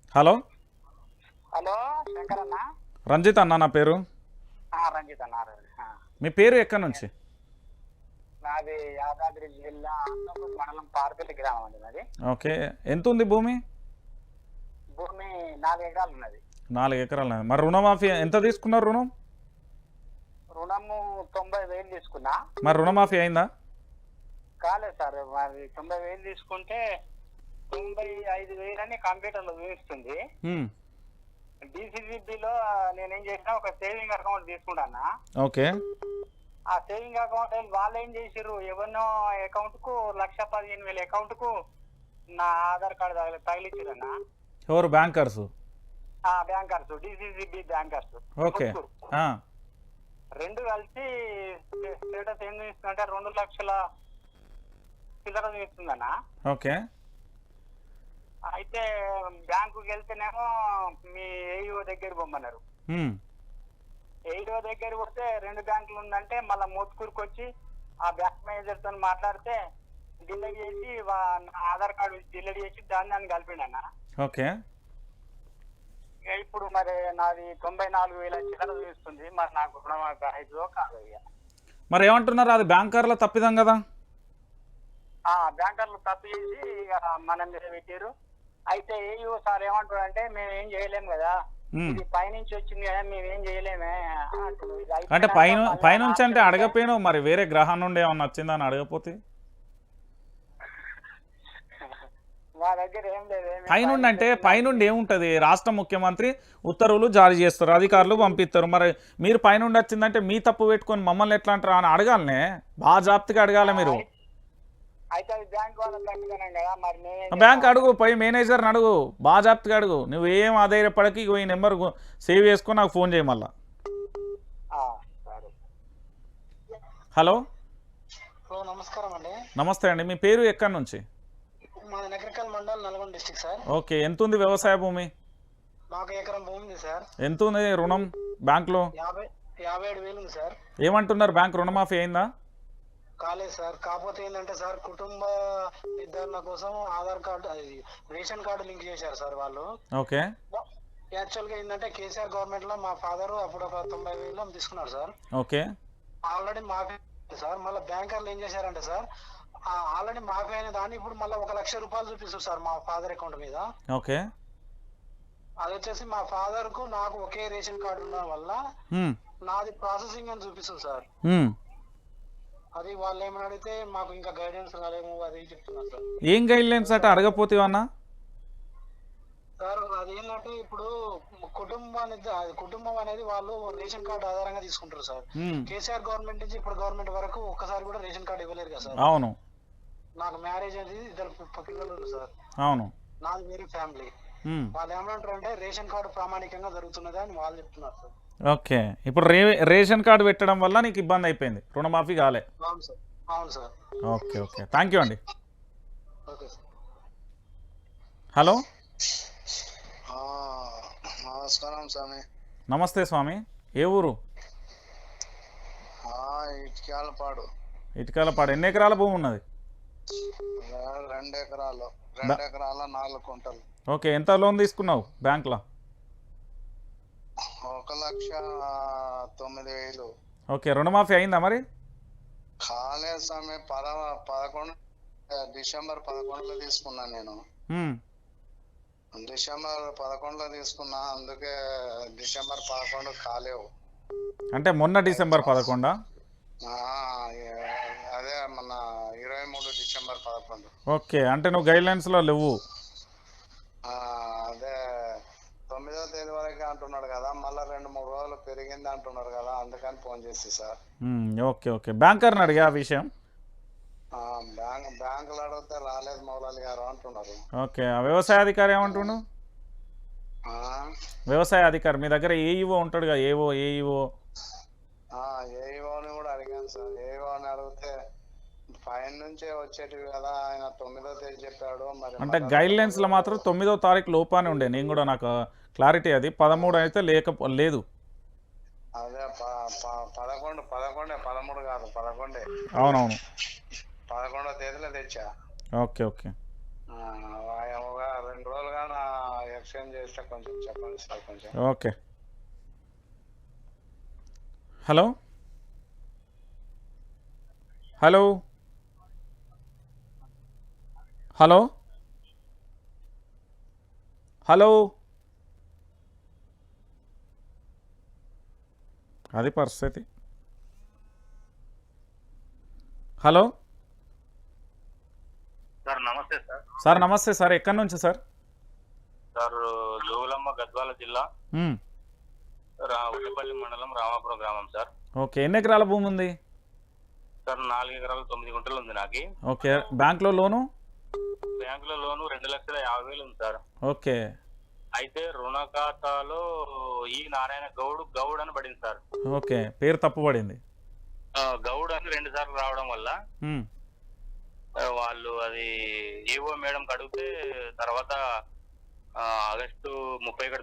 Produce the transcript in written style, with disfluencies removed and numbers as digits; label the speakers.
Speaker 1: Hello
Speaker 2: hello Shankar అన్న.
Speaker 1: రంజిత్ అన్న నా పేరు.
Speaker 2: రంజిత్ అన్నారు.
Speaker 1: మీ పేరు ఎక్కడి నుంచి?
Speaker 2: నాది యాదాద్రి జిల్లా ఆత్మకూరు మండలం పార్పల్లి గ్రామం అండి నాది.
Speaker 1: ఓకే, ఎంత ఉంది భూమి?
Speaker 2: భూమి 4 ఎకరాలు ఉన్నది.
Speaker 1: 4 ఎకరాలు. మరి రుణమాఫీ ఎంత తీసుకున్నారు రుణం?
Speaker 2: రుణము 90,000 తీసుకున్నా.
Speaker 1: మరి రుణమాఫీ అయిందా?
Speaker 2: కాలేదు సార్, మరి 90,000 తీసుకుంటే 95,000 అని కంప్యూటర్లో చూపిస్తుంది. డిసిసిబిలో నేనేం చేసినా ఒక సేవింగ్ అకౌంట్ తీసుకుంటానా.
Speaker 1: ఓకే,
Speaker 2: ఆ సేవింగ్ అకౌంట్ వాళ్ళు ఏం చేసిర్రు, ఎవరినో అకౌంట్ కు 1,15,000 అకౌంట్ కు నా ఆధార్ కార్డు తగిలిచ్చిరన్నా.
Speaker 1: ఎవరు? Bankers?
Speaker 2: Bankers, DCCB bankers.
Speaker 1: Okay,
Speaker 2: రెండు కలిసి స్టేటస్ ఏం చూపిస్తుందంటే 2 లక్షల చిల్లర చూపిస్తుందన్నా.
Speaker 1: ఓకే,
Speaker 2: అయితే బ్యాంకుకి వెళ్తేనేమో మీ ఏఈఓ దగ్గర పొమ్మన్నారు. ఏఈఓ దగ్గర పోతే 2 బ్యాంకులు ఉందంటే మళ్ళీ మోత్కూరుకు వచ్చి ఆ బ్యాంక్ మేనేజర్ తో మాట్లాడితే డిలీట్ చేసి ఆధార్ కార్డు డిలీట్ చేసి దాన్ని కలిపిండన్న.
Speaker 1: ఓకే,
Speaker 2: ఇప్పుడు మరి నాది 94,000 చిల్లర చూపిస్తుంది. మరి నాకు రుణమాఫీ అయిదో కాదు.
Speaker 1: మరి ఏమంటున్నారు? అది బ్యాంకర్ల తప్పిదం కదా.
Speaker 2: బ్యాంకర్లు తప్పు చేసి మన మీద పెట్టారు. అయితే ఏఈఓ సార్ ఏమంటారు అంటే, మేము ఏం చేయలేము కదా, ఇది పైనుంచి వచ్చింది కదా, మేమేం చేయలేమే.
Speaker 1: అంటే పైనుంచి అంటే అడగపోయినా మరి వేరే గ్రహం నుండి ఏమన్నా వచ్చిందని అడగపోతే?
Speaker 2: మా దగ్గర ఏం లేదు.
Speaker 1: పైనుండి అంటే పైనుండి ఏముంటది? రాష్ట్ర ముఖ్యమంత్రి ఉత్తర్వులు జారీ చేస్తారు, అధికారులు పంపిస్తారు. మరి మీరు పైనుండి వచ్చిందంటే మీ తప్పు పెట్టుకొని మమ్మల్ని ఎట్లా అంటారా అని అడగాలనే. బాగా జాగ్రత్తగా అడగాలి మీరు.
Speaker 2: అయితే అది బ్యాంక్ వాళ్ళ తప్పిదనం కదా. మరి
Speaker 1: బ్యాంక్ అడుగు, పోయి మేనేజర్ని అడుగు, బాగా జాగ్రత్తగా అడుగు. నువ్వు ఏం ఆధారపడకి ఈ నెంబర్ సేవ్ చేసుకొని నాకు ఫోన్ చేయి మళ్ళా. హలో,
Speaker 2: నమస్కారం అండి.
Speaker 1: నమస్తే అండి. మీ పేరు ఎక్కడి నుంచి?
Speaker 2: మాది Nagarikal mandal, Nalgonda district sir.
Speaker 1: Okay, ఎంత ఉంది వ్యవసాయ భూమి?
Speaker 2: మాకు ఎకరం భూమి ఉంది సార్. ఎంత
Speaker 1: ఉంది రుణం బ్యాంకులో?
Speaker 2: 57,000 ఉంది సార్.
Speaker 1: ఏమంటున్నారు, బ్యాంక్ రుణమాఫీ అయిందా?
Speaker 2: కాలేదు సార్. కాకపోతే ఏంటంటే సార్, కుటుంబ నిర్ధారణ కోసం Aadhaar card, ration card link చేశారు సార్ వాళ్ళు.
Speaker 1: ఓకే,
Speaker 2: యాక్చువల్ గా ఏంటంటే కేసీఆర్ గవర్నమెంట్ లో మా ఫాదర్ అప్పుడు ఒక 90,000 తీసుకున్నారు సార్.
Speaker 1: ఓకే,
Speaker 2: ఆల్రెడీ మాఫీ సార్. మళ్ళీ బ్యాంకర్లు ఏం చేశారంటే సార్, ఆల్రెడీ మాఫీ అయిన దాన్ని ఇప్పుడు మళ్ళీ 1,00,000 రూపాయలు చూపిస్తారు సార్ మా ఫాదర్ అకౌంట్ మీద.
Speaker 1: ఓకే,
Speaker 2: అది వచ్చేసి మా ఫాదర్ కు నాకు ఒకే రేషన్ కార్డు ఉండడం వల్ల నాది ప్రాసెసింగ్ అని చూపిస్తుంది సార్. అది వాళ్ళు ఏమని అడిగితే మాకు ఇంకా గైడెన్స్ రాలేము అది చెప్తున్నారు సార్.
Speaker 1: ఏం గైడ్ లైన్స్ అంటే అడగపోతేవన్నా
Speaker 2: సార్? అది ఏంటంటే ఇప్పుడు కుటుంబం అనేది వాళ్ళు రేషన్ కార్డు ఆధారంగా తీసుకుంటారు సార్. కేసీఆర్ గవర్నమెంట్ నుంచి ఇప్పుడు గవర్నమెంట్ వరకు ఒక్కసారి కూడా రేషన్ కార్డు ఇవ్వలేరు కదా సార్.
Speaker 1: అవును.
Speaker 2: నాకు మ్యారేజ్ అనేది 2 పిల్లలు ఉన్నారు సార్.
Speaker 1: అవును.
Speaker 2: నాది వేరే ఫ్యామిలీ. వాళ్ళు ఏమంటారు అంటే రేషన్ కార్డు ప్రామాణికంగా జరుగుతున్నది అని వాళ్ళు చెప్తున్నారు సార్.
Speaker 1: ఓకే, ఇప్పుడు రేషన్ కార్డు పెట్టడం వల్ల నీకు ఇబ్బంది అయిపోయింది, రుణమాఫీ కాలే.
Speaker 2: అవును సార్. అవును sir.
Speaker 1: Okay, okay, thank you అండి.
Speaker 2: Okay sir.
Speaker 1: హలో,
Speaker 2: నమస్కారం స్వామి.
Speaker 1: నమస్తే స్వామి. ఏ ఊరు?
Speaker 2: ఇటుకాలపాడు.
Speaker 1: ఇటుకాలపాడు. ఎన్ని ఎకరాల భూమి ఉన్నది?
Speaker 2: 2 ఎకరాలు. 2 ఎకరాల 4 కుంటలు.
Speaker 1: ఓకే, ఎంత లోన్ తీసుకున్నావు బ్యాంక్లో?
Speaker 2: 1,09,000.
Speaker 1: ఓకే, రుణమాఫీ అయిందా మరి?
Speaker 2: కాలేదు స్వామి. 11 డిసెంబర్ 11లో తీసుకున్నా నేను. డిసెంబర్ 11లో తీసుకున్నా, అందుకే డిసెంబర్ 11 కాలేవు.
Speaker 1: అంటే మొన్న డిసెంబర్ 11?
Speaker 2: అదే మొన్న 23 డిసెంబర్ 11.
Speaker 1: ఓకే, అంటే నువ్వు గైడ్ లైన్స్ లో లేవు.
Speaker 2: అదే 9వ తేదీ వరకు అంటున్నాడు కదా, మళ్ళీ 2-3 రోజులు పెరిగింది అంటున్నారు కదా, అందుకని ఫోన్ చేసి సార్.
Speaker 1: ఓకే, ఓకే, బ్యాంకర్ని అడిగా ఆ విషయం.
Speaker 2: బ్యాంకులు అడిగితే రాలేదు మౌలాలి గారు అంటున్నారు.
Speaker 1: ఓకే, వ్యవసాయ అధికారి ఏమంటుండు? వ్యవసాయ అధికారి మీ దగ్గర ఏఈఓ ఉంటాడు కదా, ఏఈఓ
Speaker 2: ఏఈఓని కూడా అడిగాను సార్. ఏఈఓని అడిగితే పైన నుంచే వచ్చేటివి కదా, ఆయన 9వ తేదీ చెప్పాడు. మరి
Speaker 1: అంటే గైడ్ లైన్స్ లో మాత్రం 9వ తారీఖు లోపానే ఉండే. నేను కూడా నాకు క్లారిటీ అది 13 అయితే లేదు.
Speaker 2: అదే 11 13 కాదు 11.
Speaker 1: అవునవును,
Speaker 2: 11వ తేదీలో తెచ్చా.
Speaker 1: ఓకే, ఓకే,
Speaker 2: 2 రోజులుగా నా ఎక్స్చేంజ్ చేస్తే కొంచెం చెప్పండి సార్ కొంచెం.
Speaker 1: Okay. Hello hello hello hello అది పరిస్థితి. హలో
Speaker 3: సార్ నమస్తే సార్.
Speaker 1: సార్ నమస్తే సార్, ఎక్కడి నుంచి సార్?
Speaker 3: సార్ జోగులమ్మ గద్వాల జిల్లా
Speaker 1: మ్మ్.
Speaker 3: ఉల్లిపల్లి మండలం రామాపురం గ్రామం సార్.
Speaker 1: ఓకే, ఎన్ని ఎకరాల భూమి ఉంది?
Speaker 3: సార్ 4 ఎకరాలు 9 గుంటలు ఉంది నాకు.
Speaker 1: ఓకే, బ్యాంక్లో లోను?
Speaker 3: బ్యాంకులో లోను 2,50,000 ఉంది సార్.
Speaker 1: ఓకే.
Speaker 3: అయితే రుణ ఖాతాలో ఈ నారాయణ గౌడ్ అని పడింది సార్.
Speaker 1: ఓకే, పేరు తప్పు పడింది.
Speaker 3: గౌడ్ అని 2 సార్లు రావడం వల్ల
Speaker 1: మ్మ్.
Speaker 3: వాళ్ళు అది ఈవో మేడం అడిగితే తర్వాత ఆగస్టు 30